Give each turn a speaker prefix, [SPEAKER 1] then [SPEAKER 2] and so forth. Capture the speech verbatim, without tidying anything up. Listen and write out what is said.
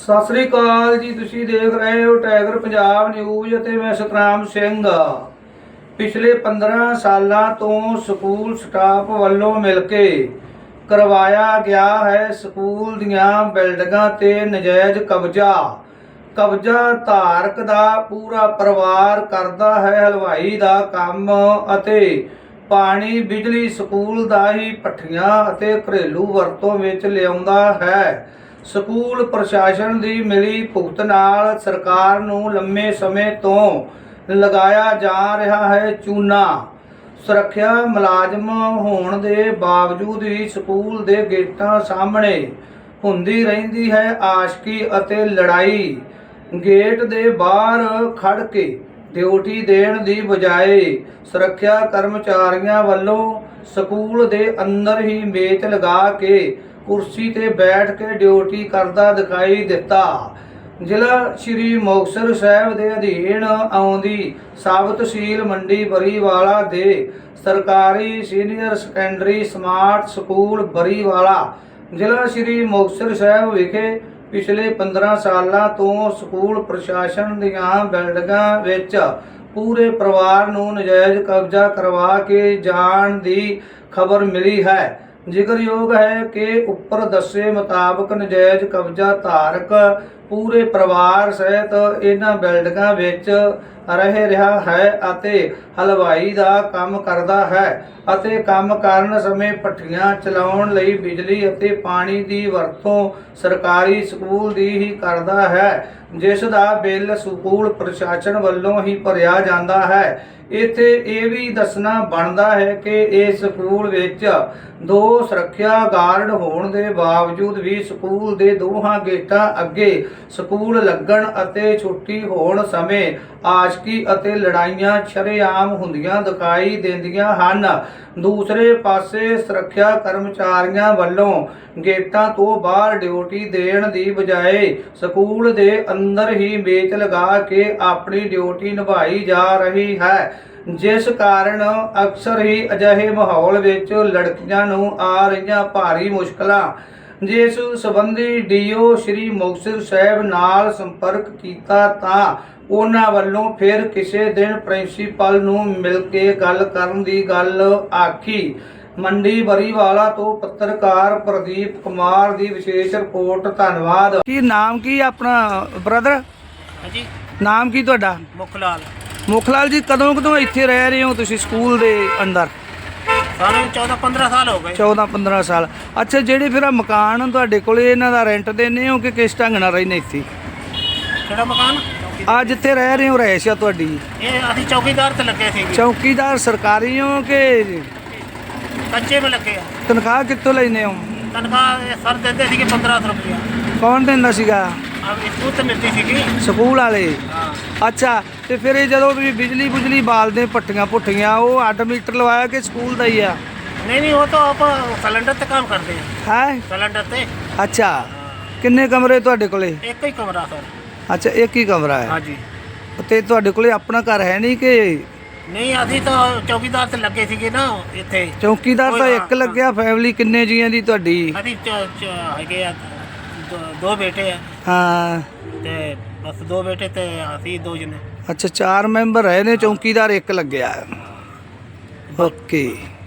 [SPEAKER 1] ਸਤਿ ਸ੍ਰੀ ਅਕਾਲ ਜੀ। ਤੁਸੀਂ ਦੇਖ ਰਹੇ ਹੋ ਟਾਈਗਰ ਪੰਜਾਬ ਨਿਊਜ਼ ਅਤੇ ਮੈਂ ਸਤਨਾਮ ਸਿੰਘ। ਪਿਛਲੇ ਪੰਦਰਾਂ ਸਾਲਾਂ ਤੋਂ ਸਕੂਲ ਸਟਾਫ ਵੱਲੋਂ ਮਿਲ ਕੇ ਕਰਵਾਇਆ ਗਿਆ ਹੈ ਸਕੂਲ ਦੀਆਂ ਬਿਲਡਿੰਗਾਂ ਤੇ ਨਜਾਇਜ਼ ਕਬਜ਼ਾ। ਕਬਜ਼ਾ ਧਾਰਕ ਦਾ ਪੂਰਾ ਪਰਿਵਾਰ ਕਰਦਾ ਹੈ ਹਲਵਾਈ ਦਾ ਕੰਮ ਅਤੇ ਪਾਣੀ ਬਿਜਲੀ ਸਕੂਲ ਦਾ ਹੀ ਭੱਠੀਆਂ ਅਤੇ ਘਰੇਲੂ ਵਰਤੋਂ ਵਿੱਚ ਲਿਆਉਂਦਾ ਹੈ। ਸਕੂਲ ਪ੍ਰਸ਼ਾਸਨ ਦੀ ਮਿਲੀ ਭੁਗਤ ਨਾਲ ਸਰਕਾਰ ਨੂੰ ਲੰਮੇ ਸਮੇਂ ਤੋਂ ਲਗਾਇਆ ਜਾ ਰਿਹਾ ਹੈ ਚੂਨਾ। ਸੁਰੱਖਿਆ ਮੁਲਾਜ਼ਮ ਹੋਣ ਦੇ ਬਾਵਜੂਦ ਵੀ ਸਕੂਲ ਦੇ ਗੇਟਾਂ ਸਾਹਮਣੇ ਹੁੰਦੀ ਰਹਿੰਦੀ ਹੈ ਆਸ਼ਕੀ ਅਤੇ ਲੜਾਈ। ਗੇਟ ਦੇ ਬਾਹਰ ਖੜ ਕੇ ਡਿਊਟੀ ਦੇਣ ਦੀ ਬਜਾਏ ਸੁਰੱਖਿਆ ਕਰਮਚਾਰੀਆਂ ਵੱਲੋਂ ਸਕੂਲ ਦੇ ਅੰਦਰ ਹੀ ਮੇਜ਼ ਲਗਾ ਕੇ ਕੁਰਸੀ ਤੇ ਬੈਠ ਕੇ ਡਿਊਟੀ ਕਰਦਾ ਦਿਖਾਈ ਦਿੱਤਾ। ਜ਼ਿਲ੍ਹਾ ਸ਼੍ਰੀ ਮੁਕਤਸਰ ਸਾਹਿਬ ਦੇ ਅਧੀਨ ਆਉਂਦੀ ਸਬ ਤਹਿਸੀਲ ਮੰਡੀ ਬਰੀਵਾਲਾ ਦੇ ਸਰਕਾਰੀ senior secondary smart school Bariwala ਜ਼ਿਲ੍ਹਾ ਸ਼੍ਰੀ ਮੁਕਤਸਰ ਸਾਹਿਬ ਵਿਖੇ ਪਿਛਲੇ ਪੰਦਰਾਂ ਸਾਲਾਂ ਤੋਂ ਸਕੂਲ ਪ੍ਰਸ਼ਾਸਨ ਦੀਆਂ ਬਿਲਡਿੰਗਾਂ ਵਿੱਚ ਪੂਰੇ ਪਰਿਵਾਰ ਨੂੰ ਨਜਾਇਜ਼ ਕਬਜ਼ਾ ਕਰਵਾ ਕੇ ਜਾਣ ਦੀ ਖਬਰ ਮਿਲੀ ਹੈ। ਜ਼ਿਕਰਯੋਗ ਹੈ ਕਿ ਉੱਪਰ ਦੱਸੇ ਮੁਤਾਬਕ ਨਜਾਇਜ਼ ਕਬਜ਼ਾ ਧਾਰਕ ਪੂਰੇ ਪਰਿਵਾਰ ਸਹਿਤ ਇਹਨਾਂ ਬਿਲਡਿੰਗਾਂ ਵਿੱਚ ਰਹਿ ਰਿਹਾ ਹੈ ਅਤੇ ਹਲਵਾਈ ਦਾ ਕੰਮ ਕਰਦਾ ਹੈ ਅਤੇ ਕੰਮ ਕਰਨ ਸਮੇਂ ਭੱਠੀਆਂ ਚਲਾਉਣ ਲਈ ਬਿਜਲੀ ਅਤੇ ਪਾਣੀ ਦੀ ਵਰਤੋਂ ਸਰਕਾਰੀ ਸਕੂਲ ਦੀ ਹੀ ਕਰਦਾ ਹੈ, ਜਿਸ ਦਾ ਬਿੱਲ ਸਕੂਲ ਪ੍ਰਸ਼ਾਸਨ ਵੱਲੋਂ ਹੀ ਭਰਿਆ ਜਾਂਦਾ ਹੈ। ਇੱਥੇ ਇਹ ਵੀ ਦੱਸਣਾ ਬਣਦਾ ਹੈ ਕਿ ਇਸ ਸਕੂਲ ਵਿੱਚ ਦੋ ਸੁਰੱਖਿਆ ਗਾਰਡ ਹੋਣ ਦੇ ਬਾਵਜੂਦ ਵੀ ਸਕੂਲ ਦੇ ਦੋਹਾਂ ਗੇਟਾਂ ਅੱਗੇ ਸਕੂਲ ਲੱਗਣ ਅਤੇ ਛੁੱਟੀ ਹੋਣ ਸਮੇਂ ਆਸ਼ਕੀ ਅਤੇ ਲੜਾਈਆਂ ਸ਼ਰੇਆਮ ਹੁੰਦੀਆਂ ਦਿਖਾਈ ਦਿੰਦੀਆਂ ਹਨ। ਦੂਸਰੇ ਪਾਸੇ ਸੁਰੱਖਿਆ ਕਰਮਚਾਰੀਆਂ ਵੱਲੋਂ ਗੇਟਾਂ ਤੋਂ ਬਾਹਰ ਡਿਊਟੀ ਦੇਣ ਦੀ ਬਜਾਏ ਸਕੂਲ ਦੇ ਅੰਦਰ ਹੀ ਮੇਜ਼ ਲਗਾ ਕੇ ਆਪਣੀ ਡਿਊਟੀ ਨਿਭਾਈ ਜਾ ਰਹੀ ਹੈ, ਜਿਸ ਕਾਰਨ ਅਕਸਰ ਹੀ ਅਜਿਹੇ ਮਾਹੌਲ ਵਿੱਚ ਲੜਕੀਆਂ ਨੂੰ ਆ ਰਹੀਆਂ ਭਾਰੀ ਮੁਸ਼ਕਲਾਂ। ਜਿਸ ਸੰਬੰਧੀ ਡੀਓ ਸ਼੍ਰੀ ਮੁਕਤਸਰ ਸਾਹਿਬ ਨਾਲ ਸੰਪਰਕ ਕੀਤਾ ਤਾਂ ਉਹਨਾਂ ਵੱਲੋਂ ਫਿਰ ਕਿਸੇ ਦਿਨ ਪ੍ਰਿੰਸੀਪਲ ਨੂੰ ਮਿਲ ਕੇ ਗੱਲ ਕਰਨ ਦੀ ਗੱਲ ਆਖੀ। ਮੰਡੀ ਬਰੀਵਾਲਾ ਤੋਂ ਪੱਤਰਕਾਰ ਪ੍ਰਦੀਪ ਕੁਮਾਰ ਦੀ ਵਿਸ਼ੇਸ਼ ਰਿਪੋਰਟ। ਧੰਨਵਾਦ। ਕੀ ਨਾਮ ਕੀ ਆਪਣਾ ਬ੍ਰਦਰ?
[SPEAKER 2] ਹਾਂਜੀ,
[SPEAKER 1] ਨਾਮ ਕੀ ਤੁਹਾਡਾ?
[SPEAKER 2] ਮੁਖਲਾਲ।
[SPEAKER 1] ਮੁਖਲਾਲ ਜੀ, ਕਦੋਂ ਕਦੋਂ ਇੱਥੇ ਰਹਿ ਰਹੇ ਹੋ ਤੁਸੀਂ ਸਕੂਲ ਦੇ ਅੰਦਰ?
[SPEAKER 2] ਸਾਨੂੰ ਚੌਦਾਂ ਪੰਦਰਾਂ ਸਾਲ ਹੋ ਗਏ।
[SPEAKER 1] ਚੌਦਾਂ ਪੰਦਰਾਂ ਸਾਲ। ਅੱਛਾ, ਜਿਹੜੇ ਫਿਰ ਮਕਾਨ ਤੁਹਾਡੇ ਕੋਲੇ ਇਹਨਾਂ ਦਾ ਰੈਂਟ ਦਿੰਦੇ ਹੋ ਕਿ ਕਿਸ ਢੰਗ ਨਾਲ ਰਹਿੰਦੇ ਇੱਥੇ?
[SPEAKER 2] ਕਿਹੜਾ ਮਕਾਨ?
[SPEAKER 1] ਆ ਜਿੱਥੇ ਰਹਿ ਰਹੇ ਹੋ ਰਹਿਸ਼ ਆ ਤੁਹਾਡੀ?
[SPEAKER 2] ਇਹ ਅਸੀਂ ਚੌਕੀਦਾਰ ਤੇ ਲੱਗੇ ਸੀ।
[SPEAKER 1] ਚੌਕੀਦਾਰ ਸਰਕਾਰੀ ਹੋ ਕਿ
[SPEAKER 2] ਕੱਚੇ में ਲੱਗੇ ਆ?
[SPEAKER 1] ਤਨਖਾਹ ਕਿੱਥੋਂ ਲੈਂਦੇ ਹੋ?
[SPEAKER 2] ਤਨਖਾਹ ਇਹ ਸਰ ਦਿੰਦੇ ਸੀਗੇ ਪੰਦਰਾਂ ਸੌ ਰੁਪਇਆ।
[SPEAKER 1] ਕੌਣ ਦਿੰਦਾ ਸੀਗਾ?
[SPEAKER 2] ਆ ਸਕੂਲ ਤੇ ਮਿਲਦੀ ਸੀਗੀ।
[SPEAKER 1] ਸਕੂਲ ਵਾਲੇ?
[SPEAKER 2] ਹਾਂ।
[SPEAKER 1] ਅੱਛਾ, ਤੇ ਫਿਰ ਇਹ ਜਦੋਂ ਵੀ ਬਿਜਲੀ ਬੁਜਲੀ ਬਾਲਦੇ ਭੱਠੀਆਂ ਭੁੱਠੀਆਂ ਉਹ ਅੱਡ ਮੀਟਰ ਲਵਾਇਆ ਕਿ ਸਕੂਲ ਦਾ ਹੀ ਆ?
[SPEAKER 2] ਨਹੀਂ ਨਹੀਂ, ਉਹ ਤਾਂ ਆਪਾਂ ਸਿਲੰਡਰ ਤੇ ਕੰਮ ਕਰਦੇ ਆ।
[SPEAKER 1] ਹੈ
[SPEAKER 2] ਸਿਲੰਡਰ ਤੇ।
[SPEAKER 1] ਅੱਛਾ, ਕਿੰਨੇ ਕਮਰੇ ਤੁਹਾਡੇ ਕੋਲੇ?
[SPEAKER 2] ਇੱਕ ਹੀ ਕਮਰਾ ਸਰ।
[SPEAKER 1] ਅੱਛਾ, ਇੱਕ ਹੀ ਕਮਰਾ ਹੈ।
[SPEAKER 2] ਹਾਂਜੀ।
[SPEAKER 1] ਤੇ ਤੁਹਾਡੇ ਕੋਲੇ ਆਪਣਾ ਘਰ ਹੈ ਨਹੀਂ ਕਿ?
[SPEAKER 2] ਨਹੀਂ, ਅਸੀਂ ਤਾਂ ਚੌਕੀਦਾਰ ਤੇ ਲੱਗੇ ਸੀਗੇ ਨਾ ਇੱਥੇ।
[SPEAKER 1] ਚੌਕੀਦਾਰ ਤਾਂ ਇੱਕ ਲੱਗਿਆ। ਫੈਮਿਲੀ ਕਿੰਨੇ ਜੀਆਂ ਦੀ ਤੁਹਾਡੀ?
[SPEAKER 2] ਅਸੀਂ ਹੈਗੇ ਆ ਦੋ- ਦੋ ਬੇਟੇ ਆ।
[SPEAKER 1] ਹਾਂ,
[SPEAKER 2] ਤੇ ਬਸ ਦੋ ਬੇਟੇ ਤੇ ਅਸੀਂ ਦੋ ਜਣੇ।
[SPEAKER 1] ਅੱਛਾ, ਚਾਰ ਮੈਂਬਰ ਹੈ ਨੇ, ਚੌਕੀਦਾਰ ਇੱਕ ਲੱਗਿਆ। ਓਕੇ।